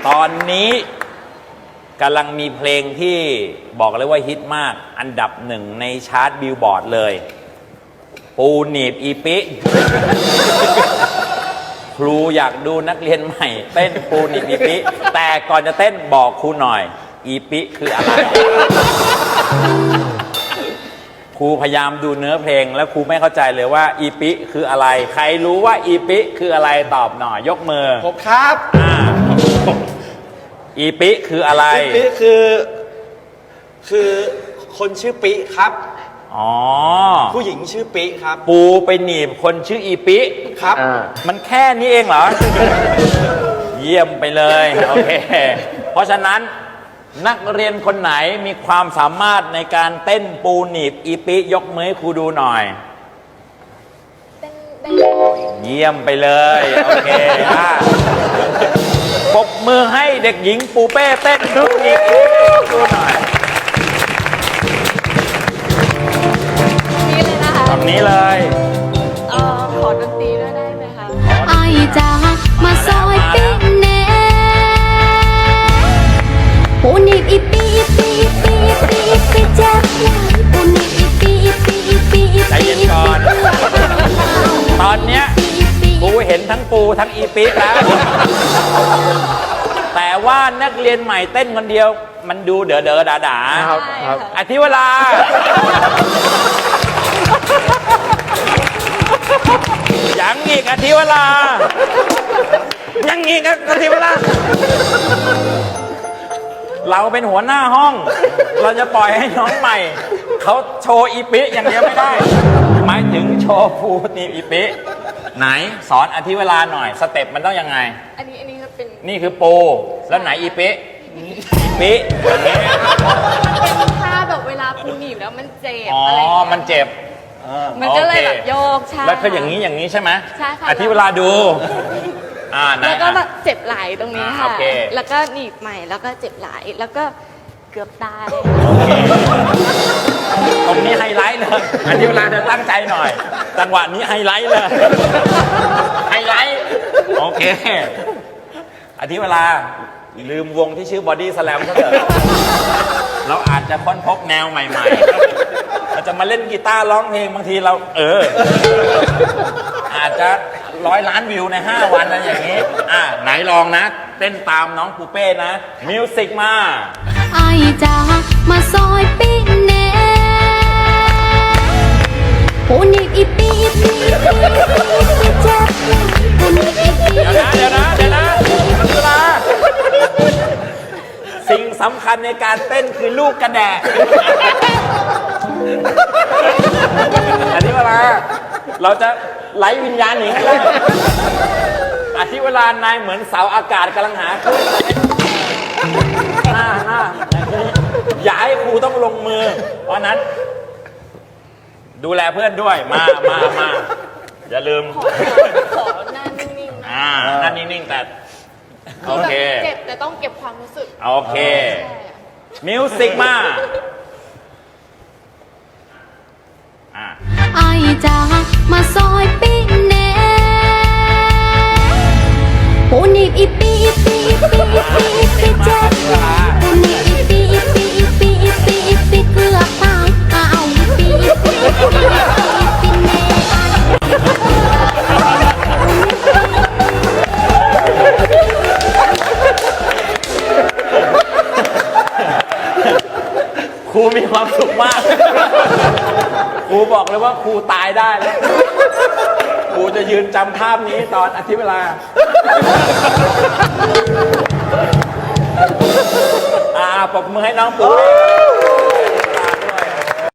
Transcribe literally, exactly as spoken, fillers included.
ตอนนี้กำลังมีเพลงที่บอกเลยว่าฮิตมากอันดับหนึ่งในชาร์ตบิลบอร์ดเลยปูหนีบอีปิครูอยากดูนักเรียนใหม่เต้นปูหนีบอีปิแต่ก่อนจะเต้นบอกครูหน่อยอีปิคืออะไรครูพยายามดูเนื้อเพลงแล้วครูไม่เข้าใจเลยว่าอีปิคืออะไรใครรู้ว่าอีปิคืออะไรตอบหน่อยยกมือผมครับอ่าอีปิคืออะไรอีปิคือคือคนชื่อปิครับอ๋อผู้หญิงชื่อปิครับปูไปหนีบคนชื่ออีปิครับมันแค่นี้เองเหรอ เยี่ยมไปเลยโอเคเพราะฉะนั้นนักเรียนคนไหนมีความสามารถในการเต้นปูหนีบอีปิยกมือให้ครูดูหน่อยเยี่ยมไปเลยโอเคอ่ะปรบมือให้เด็กหญิงปูเป้เต้นปูหนีบอีปิดูหน่อยนี่เลยนะคะแบบนี้เลยเอ่อขอดนตรีด้วยได้ไหมคะไอจ้ามาซอยปิ้งแน่ปูนิบอีปีอีปีอีปีอีปีอีปีเจ็บปูนิบอีปีอีปีอีปีอีปีใจเย็นก่อนตอนเนี้ยปูเห็นทั้งปูทั้งอีปีแล้วแต่ว่านักเรียนใหม่เต้นคนเดียวมันดูเด๋อเด๋อด่าด่าอธิวรายังอีกอธิวรายังอีกอธิวราเราเป็นหัวหน้าห้องเราจะปล่อยให้น้องใหม่เขาโชว์อีปิอย่างเดียวไม่ได้หมายถึงโชว์ปูนี่อีปิไหนสอนอธิวราหน่อยสเต็ปมันต้องยังไงอันนี้อันนี้ก็เป็นนี่คือปูแล้วไหนอีปิอีปิอย่างนี้เป็นท่าแบบเวลาปูหนีบแล้วมันเจ็บอ๋อมันเจ็บมันก็เลยแบบโยกใช่แล้วคืออย่างนี้อย่างนี้ใช่ไหมใช่ค่ะอธิวราดูอ่าแล้วก็แบบเจ็บไหล่ตรงนี้ค่ะแล้วก็หนีบใหม่แล้วก็เจ็บไหล่แล้วก็เกือบตายตรงนี้ไฮไลท์เลยอธิวราเธอตั้งใจหน่อยจังหวะนี้ไฮไลท์เลยไฮไลท์โอเคอธิวราลืมวงที่ชื่อบอดี้สแลมซะเถอะเราอาจจะค้นพบแนวใหม่ๆเราจะมาเล่นกีตาร์ร้องเพลงบางทีเราเอออาจจะร้อยล้านวิวในห้าวันอะไรอย่างนี้อ่ะไหนลองนะเต้นตามน้องปูเป้นะมิวสิกมาไอจ้ามาซอยปิ้งแน่ปูนิบอีปีอีปีอีปีอีปีเจ็บปูนิบอีปีเดี๋ยวนะเดี๋ยวนะเดี๋ยวนะเวลาสิ่งสำคัญในการเต้นคือลูกกระแดะอันนี้เวลาเราจะไล่วิญญาณหนีให้ได้อาทิเวลานายเหมือนเสาอากาศกำลังหาขึ้นหน้าหน้าอย่าให้ครูต้องลงมือเพราะนั้นดูแลเพื่อนด้วยมามามาอย่าลืมขอหน้านิ่งๆอ่าหน้านิ่งๆแต่โอเคเจ็บแต่ต้องเก็บความรู้สึกโอเคมิวสิกมาอ่าไอจ้ามาซอยปิ้งแน่ปูนิบอีปีอีปีอีปีอีปีอีปีเจ็บปูนิบอีปีอีปีอีปีอีปีอีปีเกือบตายเอาอีปีอีปีอีปีอีปีแน่ครูมีความสุขมากครูบอกเลยว่าครูตายได้แล้วครูจะยืนจำภาพนี้ตอนอธิเวลาอ่าปรบมือให้น้องปู